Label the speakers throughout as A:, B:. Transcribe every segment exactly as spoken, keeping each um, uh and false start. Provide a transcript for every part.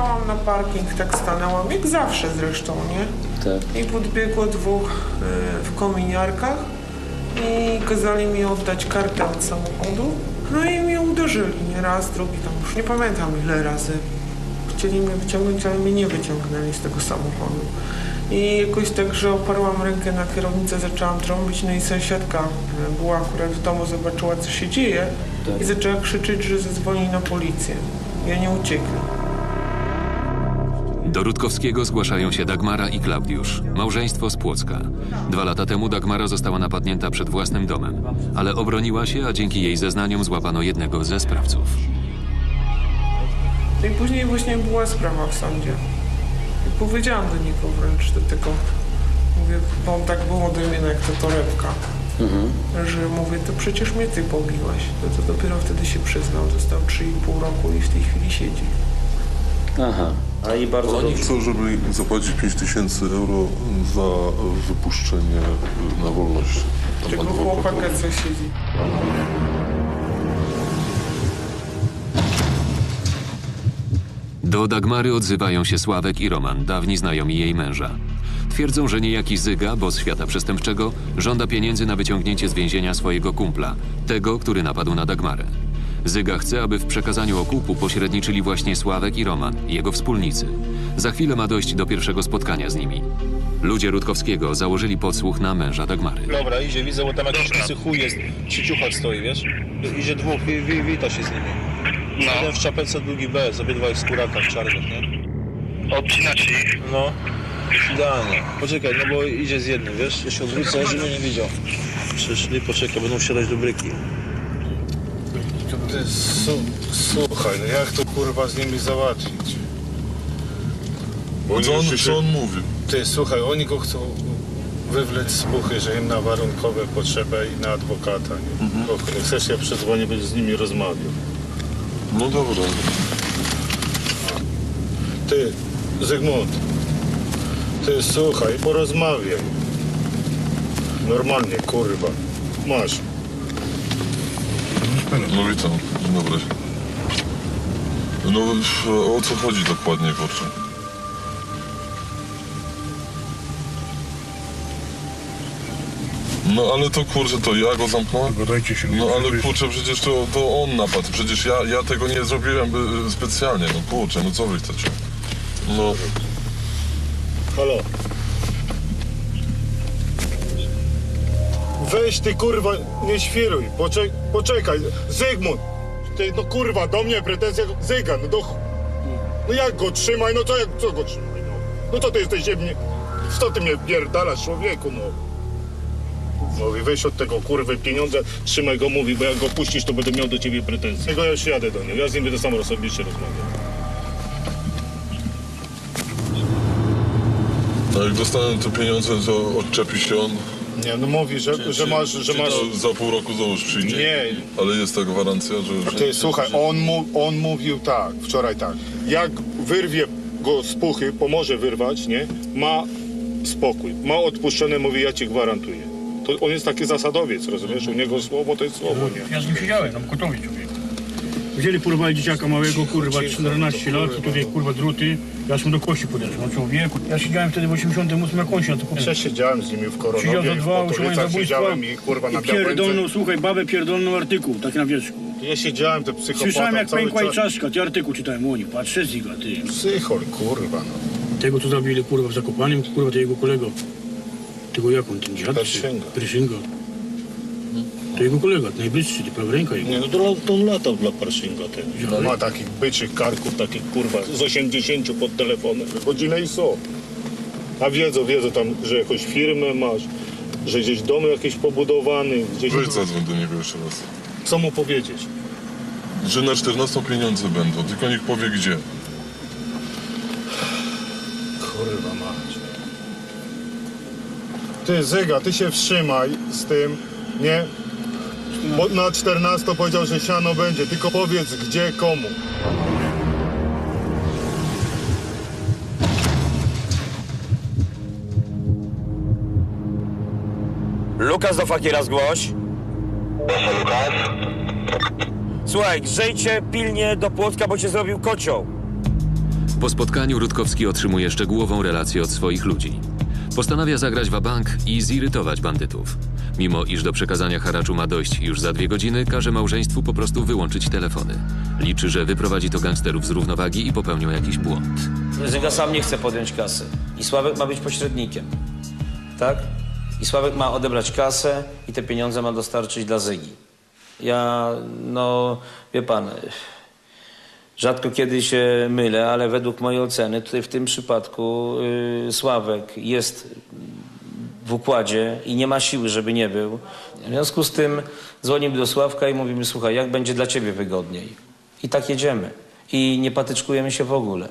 A: Wjechałam na parking, tak stanęłam, jak zawsze zresztą, nie?
B: Tak.
A: I podbiegło dwóch y, w kominiarkach i kazali mi oddać kartę od samochodu. No i mnie uderzyli, nie raz, drugi, tam już nie pamiętam ile razy. Chcieli mnie wyciągnąć, ale mnie nie wyciągnęli z tego samochodu. I jakoś tak, że oparłam rękę na kierownicę, zaczęłam trąbić, no i sąsiadka była akurat w domu, zobaczyła co się dzieje
B: Tak.
A: i zaczęła krzyczeć, że zadzwoni na policję. I oni uciekli.
C: Do Rutkowskiego zgłaszają się Dagmara i Klaudiusz, małżeństwo z Płocka. Dwa lata temu Dagmara została napadnięta przed własnym domem, ale obroniła się, a dzięki jej zeznaniom złapano jednego ze sprawców.
A: No i później właśnie była sprawa w sądzie. I powiedziałam do niego wręcz do tego, mówię, bo on tak był ode mnie jak to torebka,
B: Mhm.
A: że mówię, to przecież mnie ty pobiłeś. No to dopiero wtedy się przyznał, dostał trzy i pół roku i w tej chwili siedzi.
B: Aha. A i bardzo
D: Oni
B: dobrze.
D: chcą, żeby zapłacić pięć tysięcy euro za wypuszczenie na wolność. Tam
A: Tego
D: adwokata.
A: chłopaka co siedzi.
C: Do Dagmary odzywają się Sławek i Roman, dawni znajomi jej męża. Twierdzą, że niejaki Zyga, boss świata przestępczego, żąda pieniędzy na wyciągnięcie z więzienia swojego kumpla, tego, który napadł na Dagmarę. Zyga chce, aby w przekazaniu okupu pośredniczyli właśnie Sławek i Roman, jego wspólnicy. Za chwilę ma dojść do pierwszego spotkania z nimi. Ludzie Rutkowskiego założyli podsłuch na męża Dagmary.
E: Dobra, idzie, widzę, bo tam jakiś łysy chuj jest, przy ciuchach stoi, wiesz? Idzie dwóch, wi, wi, wita się z nimi. No. Jeden w czapece, drugi bez, obydwaj w skórakach czarnych, nie?
F: Odcinacie ich?
E: No, idealnie. Poczekaj, no bo idzie z jednym, wiesz? Ja się odwrócę, żeby nie widział. Przyszli, poczekaj, będą wsiadać do bryki.
G: Ty, su, słuchaj, no jak to kurwa z nimi załatwić? Bo
D: Co on,
G: już się-
D: co on mówi?
G: Ty, słuchaj, oni go chcą wywlec z puchy, że im na warunkowe potrzebę i na adwokata, nie? Mhm. Jak chcesz, ja przedzwonię, będę z nimi rozmawiał.
D: No dobra.
G: Ty, Zygmunt, ty, słuchaj, porozmawiaj. Normalnie, kurwa. Masz.
D: No witam, dzień dobry. No o co chodzi dokładnie, kurczę? No ale to kurczę, to ja go zamknąłem?
H: Gadajcie się.
D: No ale kurczę, przecież to, to on napadł, przecież ja, ja tego nie zrobiłem y, specjalnie, no kurczę, no co wy chcecie? No,
G: Halo. Weź ty kurwa, nie świruj, Poczek poczekaj, Zygmunt! Ty, no kurwa, do mnie pretensja, Zyga, no do... ch- No jak go trzymaj, no co, jak, co go trzymaj, no? No to ty jesteś mnie... Co ty mnie pierdalasz, człowieku, no? Mówi, weź od tego kurwy pieniądze, trzymaj go, mówi, bo jak go puścisz, to będę miał do ciebie pretensje. Tego ja już jadę do niego, ja z nim będę sam osobiście rozmawiał.
D: a jak dostanę te pieniądze, to odczepi się on?
G: Nie, no mówi, że, że masz, że
D: czy
G: masz...
D: to za pół roku znowu przyjdzie?
G: Nie.
D: Ale jest ta gwarancja, że... że
G: Ty, słuchaj, on, mu, on mówił tak, wczoraj tak, jak wyrwie go z puchy, pomoże wyrwać, nie, ma spokój, ma odpuszczone, mówi, ja ci gwarantuję. To on jest taki zasadowiec, rozumiesz, u niego słowo to jest słowo, nie?
H: Ja z nim siedziałem, tam gotowi człowiek. Wzięli porwali dzieciaka małego, kurwa, czternaście lat, i tutaj kurwa druty. Ja mu do kości podeszłem, no człowieku. Ja siedziałem wtedy w osiemdziesiątym ósmym, jak on się na to kupił.
G: Ja siedziałem z nimi w
H: Siedział
G: Koronowie,
H: za
G: w
H: dwa, usiłowanie
G: Potolicach
H: zabójstwa
G: siedziałem i kurwa na
H: i pierdolną,
G: Białęce.
H: słuchaj, babę pierdolną artykuł, tak na wierzchu.
G: Ja siedziałem, te psychopata
H: Słyszałem jak
G: cały
H: pękła i
G: czas.
H: czaszka, ty artykuł czytałem, oni, patrzę Ziga, ty.
G: Psychol, kurwa, no.
H: Tego co zabili, kurwa, w Zakopanem, kurwa, to jego kolego. Tego jak on, ten dziad?
G: Perszynga.
H: Perszynga. To jego kolega, najbliższy, ty prawa ręka jego.
G: Nie, no to, to on latał dla Parszinga, ten. Ma takich byczych karków, takich kurwa, z osiemdziesięciu pod telefonem. Godzinę i są. A wiedzą, wiedzą tam, że jakąś firmę masz, że gdzieś dom jakiś pobudowany, gdzieś...
D: Weź zadzwoń do niego jeszcze raz.
G: Co mu powiedzieć?
D: Że na czternastą pieniądze będą, tylko niech powie gdzie.
G: Kurwa mać. Ty, Zyga, ty się wstrzymaj z tym, nie? Bo na czternastą powiedział, że siano będzie, tylko powiedz gdzie, komu.
I: Lukas do Fakira zgłoś. Słuchaj, grzejdźcie pilnie do Płocka, bo cię zrobił kocioł.
C: Po spotkaniu Rutkowski otrzymuje szczegółową relację od swoich ludzi. Postanawia zagrać wabank i zirytować bandytów. Mimo iż do przekazania haraczu ma dojść już za dwie godziny, każe małżeństwu po prostu wyłączyć telefony. Liczy, że wyprowadzi to gangsterów z równowagi i popełnią jakiś błąd.
I: Zyga sam nie chce podjąć kasy. I Sławek ma być pośrednikiem. Tak? I Sławek ma odebrać kasę i te pieniądze ma dostarczyć dla Zygi. Ja, no, wie pan, rzadko kiedy się mylę, ale według mojej oceny tutaj w tym przypadku yy, Sławek jest w układzie i nie ma siły, żeby nie był. W związku z tym dzwonimy do Sławka i mówimy, słuchaj, jak będzie dla ciebie wygodniej. I tak jedziemy. I nie patyczkujemy się w ogóle.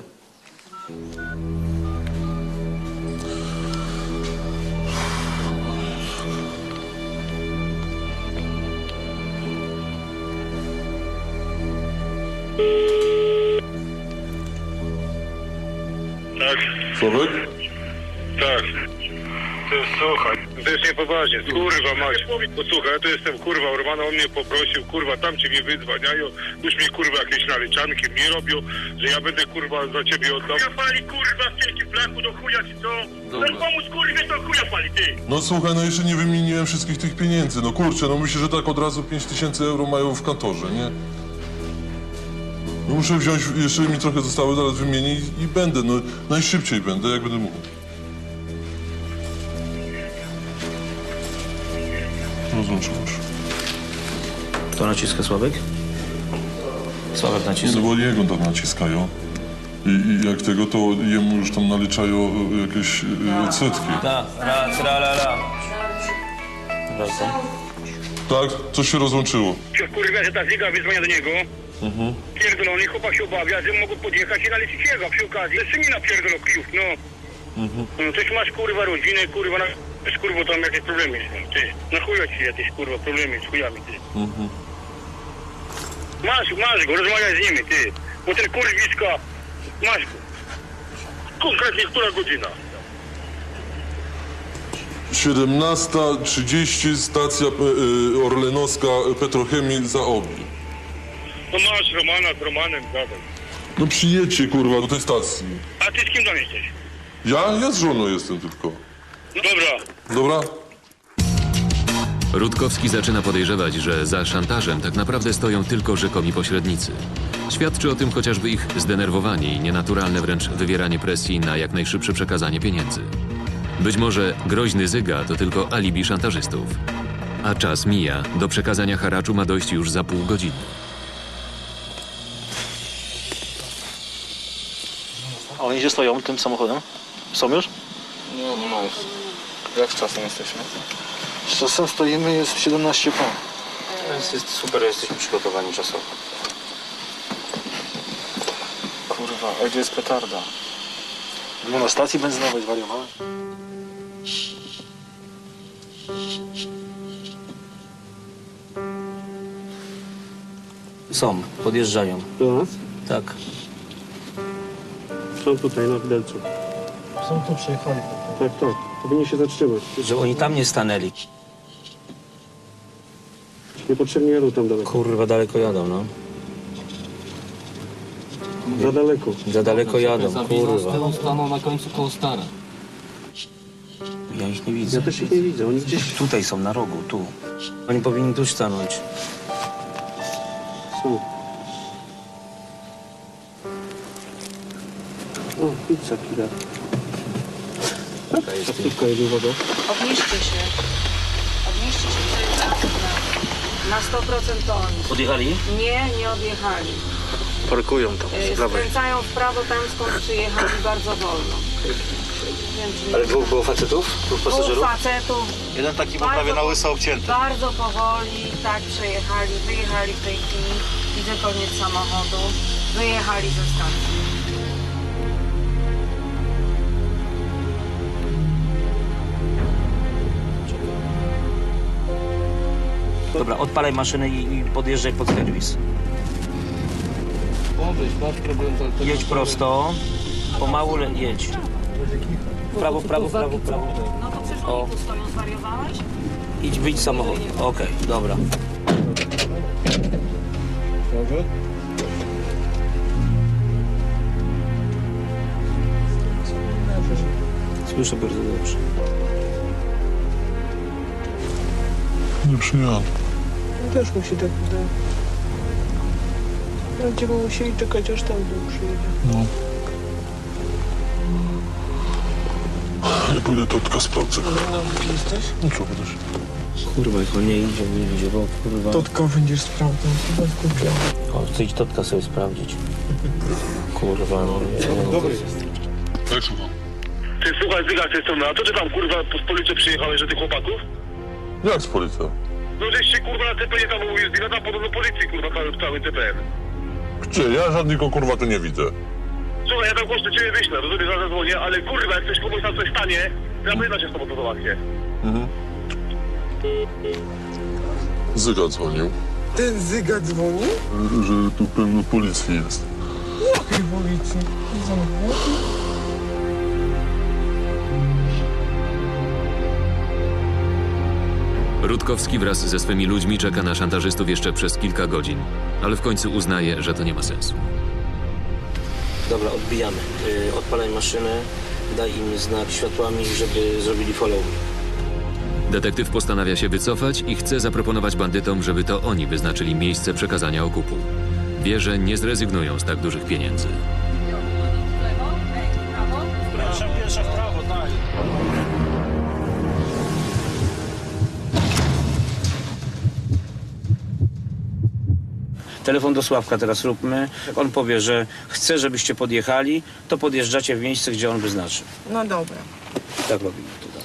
F: Tak,
D: Sławek?
F: tak. To słuchaj, to jest niepoważnie. Kurwa mać. Posłuchaj, ja tu jestem kurwa Ormana, on mnie poprosił, kurwa, tam cię mnie wydzwaniają, już mi kurwa jakieś naliczanki mi robią, że ja będę kurwa za ciebie oddał. Ja pali kurwa w wielkim flaku do chuja czy co? Chcesz pomóc kurwie, to chuja pali ty.
D: No słuchaj, no jeszcze nie wymieniłem wszystkich tych pieniędzy. No kurczę, no myślę, że tak od razu pięć tysięcy euro mają w kantorze, nie? No muszę wziąć, jeszcze mi trochę zostały, zaraz wymienię i, i będę, no najszybciej będę, jak będę mógł. Rozłączyłeś.
I: Kto naciska, Sławek? Sławek
D: Nie,
I: naciska.
D: no bo jego tam naciskają. I, I jak tego, to jemu już tam naliczają e, jakieś e, odsetki.
I: Da, ra, tra, la, la. Wracam.
D: Tak? Coś się rozłączyło.
F: Kurwa, że ta Zyga wyzwania do niego.
D: Mhm.
F: Pierdolony chłopak się obawia, że mogą podjechać i nalecić jego przy okazji. Jeszcze mi napierdolą kijów, no.
D: Mhm.
F: No coś masz kurwa rodzinę, kurwa, na... z kurwa tam jakieś problemy są, ty. Na chuja ci jakieś kurwa problemy z chujami, ty.
D: Mhm.
F: Masz, masz go, rozmawiaj z nimi, ty. Bo ten kurwiska, masz go. Konkretnie która godzina?
D: siedemnasta trzydzieści, stacja e, e, Orlenowska, e, Petrochemii za Obi.
F: No masz Romana z Romanem, gadaj.
D: No przyjedźcie, kurwa, do tej stacji.
F: A ty z kim tam jesteś?
D: Ja? Ja z żoną jestem tylko.
F: No dobra.
D: Dobra?
C: Rutkowski zaczyna podejrzewać, że za szantażem tak naprawdę stoją tylko rzekomi pośrednicy. Świadczy o tym chociażby ich zdenerwowanie i nienaturalne wręcz wywieranie presji na jak najszybsze przekazanie pieniędzy. Być może groźny Zyga to tylko alibi szantażystów. A czas mija, do przekazania haraczu ma dojść już za pół godziny.
E: A oni gdzie stoją tym samochodem? Są już?
J: Nie, nie ma jeszcze. Jak z czasem jesteśmy?
E: Z czasem stoimy, jest siedemnaście po.
I: Jest, jest super, jesteśmy przygotowani czasowo.
J: Kurwa, a gdzie jest petarda?
E: Było na stacji benzynowej, zwariowałem.
I: Są, podjeżdżają.
H: Do nas?
I: Tak.
H: Są tutaj na widelcu.
E: Są tu przyjechali.
H: Tak, tak. Powinni się zatrzymać.
I: Że oni tam nie stanęli.
H: Niepotrzebnie jadą tam daleko.
I: Kurwa, daleko jadą, no.
H: Za daleko.
I: Za daleko jadą, kurwa.
J: Staną na końcu koło Stara.
I: Ja ich nie widzę.
H: Ja też ich nie widzę, oni gdzieś
I: Tutaj są, na rogu, tu. Oni powinni tu stanąć.
H: są. O, pizza killer. Taksówka jedzie, uwaga.
K: Obniżcie się. Obniżcie się. Na sto procent to oni.
I: Odjechali?
K: Nie, nie odjechali.
E: Parkują tam,
K: E,
E: z prawej.
K: Skręcają w prawo tam, skąd przyjechali bardzo wolno. Wiem, czy nie-
E: Ale dwóch było facetów? Dwóch
K: Dwóch
E: pasażerów?
K: facetów.
E: Jeden taki był
K: Bardzo
E: prawie na
K: po-
E: łyso obcięty.
K: Bardzo powoli, tak przejechali, wyjechali w tej chwili. Widzę koniec samochodu. Wyjechali ze stacji.
I: Dobra, odpalaj maszynę i, i podjeżdżaj pod serwis.
J: Obyś, masz problem z
I: Jedź prosto, pomału le- jedź. W prawo, w prawo, w prawo, w prawo.
K: No to przecież
I: O.
K: oni tu stoją, zwariowałeś?
I: Idź, wyjdź z samochodu. Okej, dobra. Słyszę bardzo dobrze.
D: Nie przyjadę.
A: Też mi się tak wydaje. Będziemy musieli czekać, aż tam dół przyjedzie.
D: No. Ja pójdę Totka sprawdzę.
A: No, gdzie jesteś?
D: No co, będziesz?
I: Kurwa, jak on nie idzie, nie idzie, bo kurwa...
A: Totka będziesz sprawdzał, chyba skupiał.
I: O, chcę iść Totka sobie sprawdzić. Kurwa, no nie.
G: Dobry.
D: Tak, słucham.
F: Ty słuchaj, Zyga, ty jestem na to, czy tam kurwa z policji przyjechałeś, że tych chłopaków?
D: Jak z policją?
F: No żeś się kurwa na T P nie tam ujeździł, tam podobno policji kurwa cały, cały T P N.
D: Gdzie? Ja żadnego kurwa tu nie widzę.
F: Słuchaj, ja tam głośno ciebie wyślę, rozumiesz, że zadzwonię, ale kurwa, jak ktoś komuś tam coś stanie, to ja będę się z tobą to załatwię.
D: Mhm. Zyga dzwonił,
A: Ten Zyga dzwoni?
D: że tu pełno policji jest.
A: Jakiej policji? Zamknął?
C: Rutkowski wraz ze swymi ludźmi czeka na szantażystów jeszcze przez kilka godzin, ale w końcu uznaje, że to nie ma sensu.
I: Dobra, odbijamy. Yy, odpalaj maszynę, daj im znak światłami, żeby zrobili follow.
C: Detektyw postanawia się wycofać i chce zaproponować bandytom, żeby to oni wyznaczyli miejsce przekazania okupu. Wie, że nie zrezygnują z tak dużych pieniędzy.
E: Pierwsza, pierwsza w prawo, tak.
I: Telefon do Sławka teraz róbmy. On powie, że chce, żebyście podjechali, to podjeżdżacie w miejsce, gdzie on wyznaczy.
A: No dobra.
I: Tak robimy tutaj.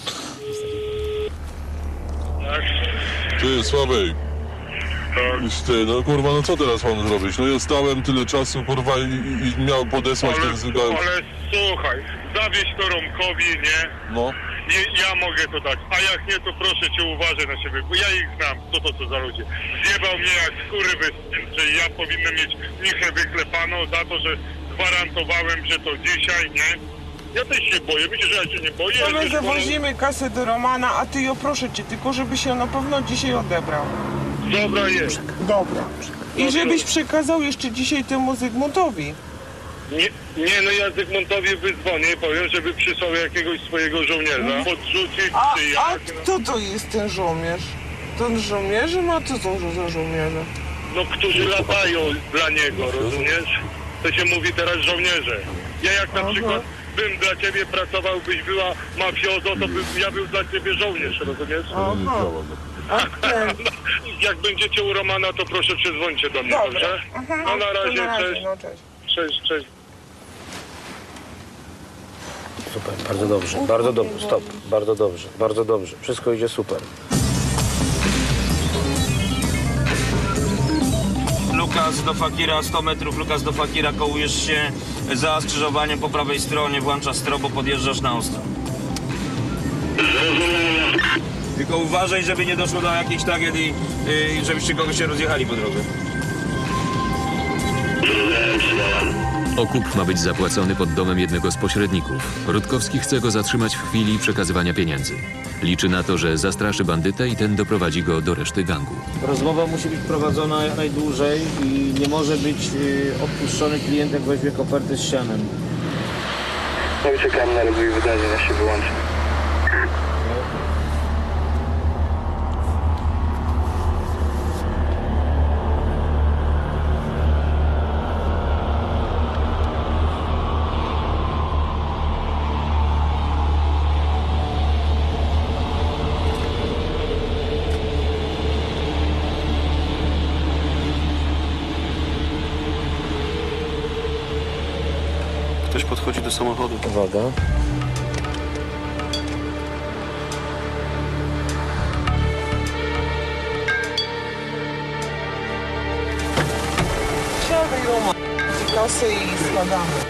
D: Ty, Sławek. Ty, no kurwa, no co teraz mam zrobić? No ja stałem tyle czasu, kurwa, i, i miał podesłać
F: Ale,
D: ten Zyga.
F: ale słuchaj, zawieź to Romkowi, nie?
D: No.
F: Nie, ja mogę to dać, a jak nie, to proszę cię uważaj na siebie, bo ja ich znam, co to co za ludzie. Zjebał mnie jak skurwysyn, że ja powinnam mieć michę wyklepaną za to, że gwarantowałem, że to dzisiaj, nie? Ja też się boję, myślę, że ja się nie boję.
A: To my
F: też
A: zawozimy kasę do Romana, a ty ją proszę cię, tylko żeby się na pewno dzisiaj odebrał.
F: Dobra jest.
A: Dobra. I żebyś przekazał jeszcze dzisiaj temu Zygmuntowi.
F: Nie, nie, no ja Zygmuntowi wydzwonię i powiem, żeby przysłał jakiegoś swojego żołnierza, podrzucić
A: A,
F: czy
A: a
F: jak.
A: kto to jest ten żołnierz? Ten żołnierze? No co są za żołnierze?
F: No, którzy latają dla niego, rozumiesz? To się mówi teraz żołnierze. Ja jak na
A: Aha.
F: przykład bym dla ciebie pracował, byś była mafiozo, to bym, ja był dla ciebie żołnierz, rozumiesz?
A: Aha. A ten...
F: Jak będziecie u Romana, to proszę przydzwońcie do mnie,
A: Dobra.
F: dobrze?
A: Mhm.
F: No na
A: To
F: razie,
A: na razie,
F: cześć.
A: no cześć.
F: Cześć, cześć.
I: Super, bardzo dobrze, bardzo dobrze, stop, bardzo dobrze, bardzo dobrze. Wszystko idzie super. Lukas do Fakira, sto metrów, Lukas do Fakira, kołujesz się za skrzyżowaniem po prawej stronie, włączasz strobo, podjeżdżasz na ostro. Tylko uważaj, żeby nie doszło do jakiejś tragedii, yy, żebyście kogoś się rozjechali po drodze.
C: Okup ma być zapłacony pod domem jednego z pośredników. Rutkowski chce go zatrzymać w chwili przekazywania pieniędzy. Liczy na to, że zastraszy bandytę i ten doprowadzi go do reszty gangu.
I: Rozmowa musi być prowadzona jak najdłużej i nie może być yy, odpuszczony klient, jak weźmie kopertę z sianem.
J: No i czekam na rozwój wydarzeń, ja się wyłączę.
E: Ktoś podchodzi do samochodu.
I: Uwaga.
A: Siadaj Roman. Kasę i składamy.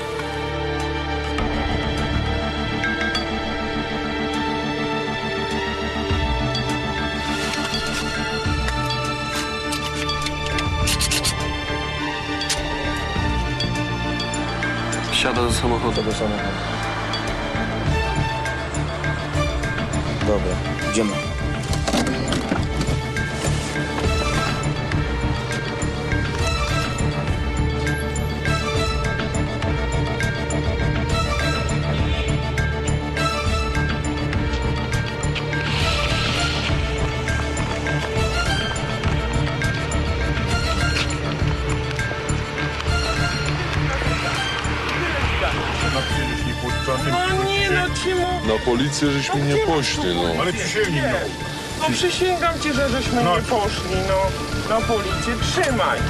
E: Siada do samochodu.
I: Do samochodu. Dobra, idziemy.
A: No ci mu...
D: Na policję żeś mnie nie poszli, no.
H: Ale przysięgnij, no.
A: No przysięgam ci, że żeśmy
H: No.
A: nie poszli, no. Na policję, trzymaj.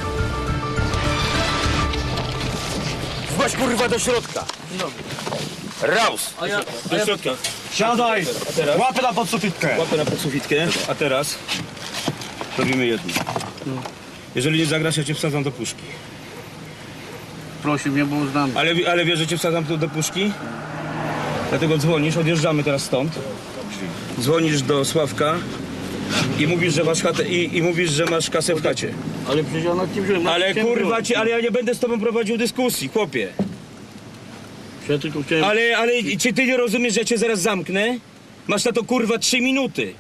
I: Chodź kurwa do środka. Raus!
H: Do środka. Siadaj! Łapę na podsufitkę.
E: Łapę na podsufitkę, a teraz robimy jedno. Jeżeli nie zagrasz, ja cię wsadzam do puszki.
H: Prosił mnie, bo znam.
E: Ale, ale wiesz, że cię wsadzam tu do puszki? Dlatego dzwonisz, odjeżdżamy teraz stąd. Dzwonisz do Sławka i mówisz, że masz chatę i, i mówisz, że masz kasę w chacie.
H: Ale przecież ja nad tym wziąłem. nad
E: Ale
H: tym
E: kurwa
H: wziąłem.
E: ci, ale ja nie będę z tobą prowadził dyskusji, chłopie.
H: Ja tylko chciałem...
E: Ale, ale czy ty nie rozumiesz, że ja cię zaraz zamknę? Masz na to kurwa trzy minuty.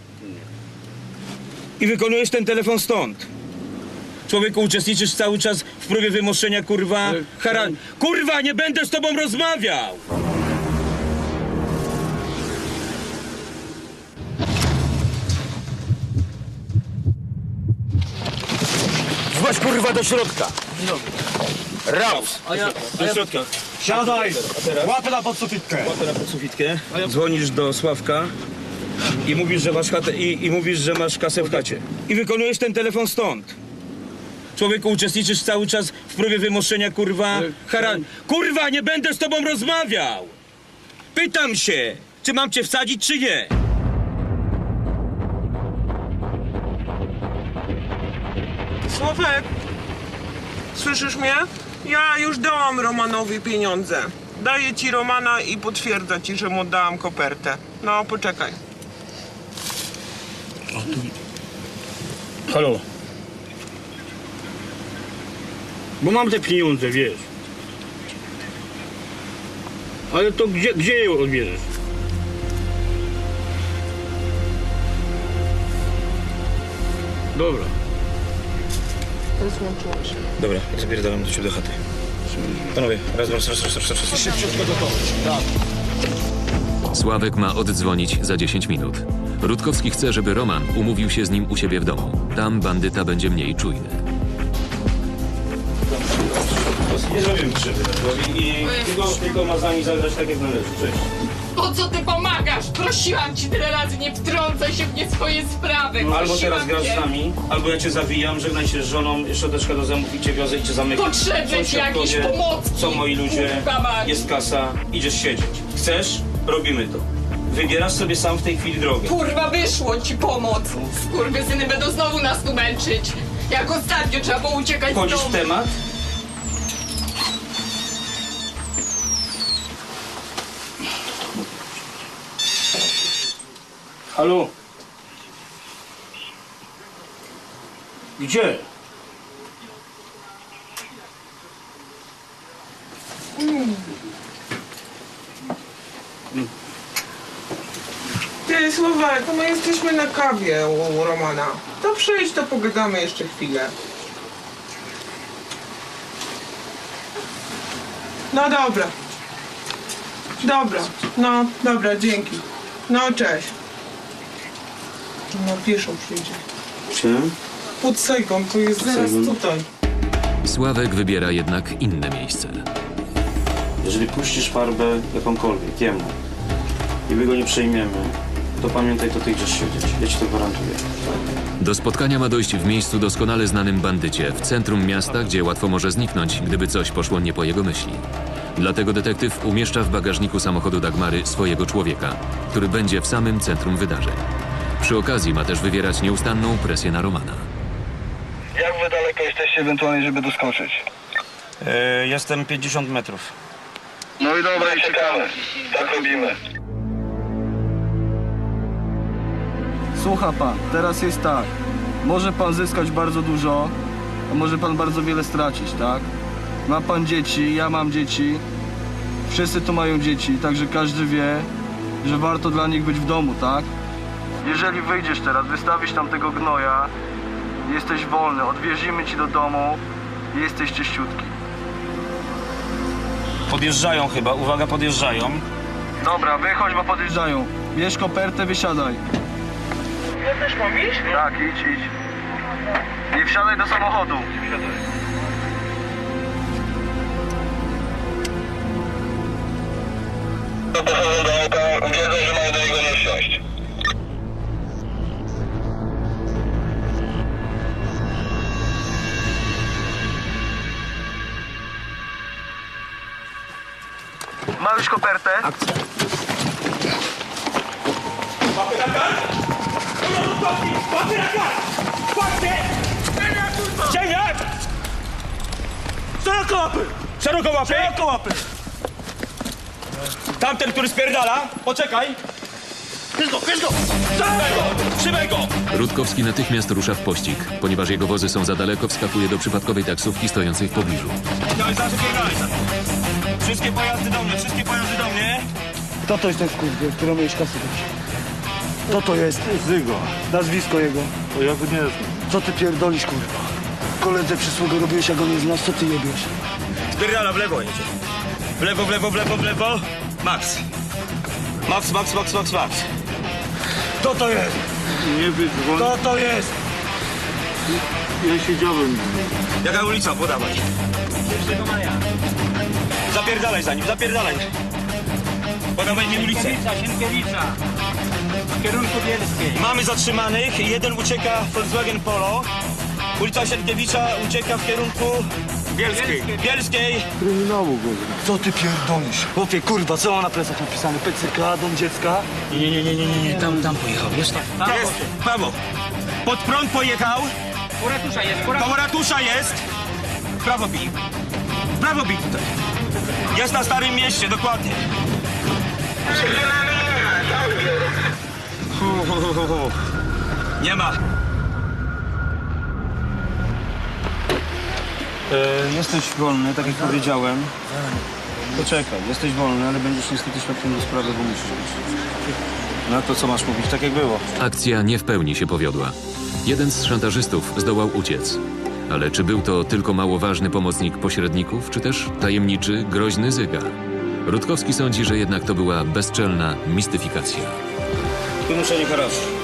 E: I wykonujesz ten telefon stąd. Człowieku, uczestniczysz cały czas w próbie wymoszenia kurwa hara... Kurwa, nie będę z tobą rozmawiał! Chodź kurwa do środka. Raus! Do środka.
H: Siadaj! Łapę na podsufitkę.
E: Łapę na podsufitkę. Dzwonisz do Sławka i mówisz, że masz chatę i, i mówisz, że masz kasę w chacie. I wykonujesz ten telefon stąd. Człowieku, uczestniczysz cały czas w próbie wymoszenia kurwa hara... Kurwa, nie będę z tobą rozmawiał! Pytam się, czy mam cię wsadzić, czy nie?
A: Sławek, słyszysz mnie? Ja już dałam Romanowi pieniądze. Daję ci Romana i potwierdza ci, że mu oddałam kopertę. No, poczekaj.
H: Halo. Bo mam te pieniądze, wiesz. Ale to gdzie, gdzie je odbierzesz? Dobra.
A: Rozłączyłam się.
E: Dobra, zapierdalam do ciebie do chaty. Panowie, raz, raz, raz, raz, raz, raz, raz. Szybciutko do toho. Tak.
C: Sławek ma oddzwonić za dziesięć minut. Rutkowski chce, żeby Roman umówił się z nim u siebie w domu. Tam bandyta będzie mniej czujny.
E: Nie zrobimy krzywdy, i, i tylko, tylko ma za nimi zagrać tak jak należy. Cześć.
L: Po co ty pomagasz? Prosiłam ci tyle razy, nie wtrącaj się w nie swoje sprawy.
E: Albo
L: Prosiłam
E: teraz grasz
L: cię.
E: z nami, albo ja cię zawijam, żegnaj się z żoną, szczoteczka do zębów i cię wiozę i cię zamykam.
L: Potrzebne ci
E: Sąsiad
L: jakieś
E: powie,
L: pomocki.
E: Co moi ludzie,
L: Kurwa mać.
E: jest kasa, idziesz siedzieć. Chcesz? Robimy to. Wybierasz sobie sam w tej chwili drogę.
L: Kurwa, wyszło ci pomoc. Skurwysyny będą znowu nas tu męczyć. Jak ostatnio trzeba było uciekać z
E: Wchodzisz
L: domu.
E: w temat?
H: Halo? Gdzie?
A: Ty, Sławek, my jesteśmy na kawie u Romana. To przyjdź, to pogadamy jeszcze chwilę. No dobra. Dobra, no dobra, dzięki. No cześć. No pieszą przyjdzie.
E: Czym?
A: Pod Sejgon, to jest zaraz
E: Sejgon.
A: tutaj.
C: Sławek wybiera jednak inne miejsce.
E: Jeżeli puścisz farbę jakąkolwiek, jemu, i my go nie przejmiemy, to pamiętaj, to ty idziesz siedzieć. Ja ci to gwarantuję.
C: Do spotkania ma dojść w miejscu doskonale znanym bandycie, w centrum miasta, gdzie łatwo może zniknąć, gdyby coś poszło nie po jego myśli. Dlatego detektyw umieszcza w bagażniku samochodu Dagmary swojego człowieka, który będzie w samym centrum wydarzeń. Przy okazji ma też wywierać nieustanną presję na Romana.
J: Jak wy daleko jesteście ewentualnie, żeby doskoczyć?
E: Yy, jestem pięćdziesiąt metrów.
J: No i dobra, i czekamy. Tak robimy.
M: Słucha pan, teraz jest tak. Może pan zyskać bardzo dużo, a może pan bardzo wiele stracić, tak? Ma pan dzieci, ja mam dzieci. Wszyscy tu mają dzieci, także każdy wie, że warto dla nich być w domu, tak? Jeżeli wyjdziesz teraz, wystawisz tam tego gnoja, jesteś wolny, odwiezimy ci do domu i jesteś czyściutki.
E: Podjeżdżają chyba, uwaga, podjeżdżają.
M: Dobra, wychodź, bo podjeżdżają. Bierz kopertę, wysiadaj.
A: Ja też mam iść?
M: Tak, idź, idź. Nie wsiadaj do samochodu.
J: Do auta.
M: Ma już kopertę?
E: Cieniak! Szeroko łapy! Szeroko łapy! Szeroko łapy! Tamten, który spierdala, poczekaj! Bierz go, bierz go! Trzymaj go! Trzymaj go!
C: Rutkowski natychmiast rusza w pościg. Ponieważ jego wozy są za daleko, wskakuje do przypadkowej taksówki stojącej w pobliżu.
E: Daj, zaraz spierdalaj. Wszystkie pojazdy do mnie, wszystkie pojazdy do mnie.
M: Kto to jest ten skurwiel, któremu miałeś kasę dać? Kto to jest?
G: Zygo.
M: Nazwisko jego.
G: To ja go nie znam.
M: Co ty pierdolisz, kurwa? Koledze przysługę robiłeś, a go nie znasz, co ty jebiesz?
E: Spierdala w lewo jedzie. W lewo, w lewo, w lewo, w lewo. Max. Max, Max, Max, Max, Max.
M: Kto to jest?
G: Nie wiem,
M: Kto to jest?
G: ja siedziałem.
E: Jaka ulica? Podawaj. pierwszego maja. Zapierdalaj za nim, zapierdalaj. Podawaj mi ulicę.
H: Sienkiewicza. W kierunku Bielskiej.
E: Mamy zatrzymanych. Jeden ucieka Volkswagen Polo. Ulica Sienkiewicza ucieka w kierunku Bielskiej. Bielskiej.
G: Kryminału go.
M: Co ty pierdolisz? Chłopie, kurwa, co mam na plecach napisane? P C K, dom dziecka?
E: Nie, nie, nie, nie, nie, nie.
H: Tam, tam pojechał, wiesz tak?
E: Jest, prawo. Pod prąd pojechał.
H: U ratusza jest,
E: Koło ratusza jest. W prawo bij. W prawo bij tutaj. Jest na Starym Mieście, dokładnie. Hu, hu, hu, hu, hu. Nie ma. E, jesteś wolny, tak jak powiedziałem. Poczekaj, jesteś wolny, ale będziesz niestety świadkiem do sprawy, bo musisz być. No to co masz mówić, tak jak było.
C: Akcja nie w pełni się powiodła. Jeden z szantażystów zdołał uciec. Ale czy był to tylko mało ważny pomocnik pośredników, czy też tajemniczy, groźny Zyga? Rutkowski sądzi, że jednak to była bezczelna mistyfikacja.
E: Wymuszenie haraczu.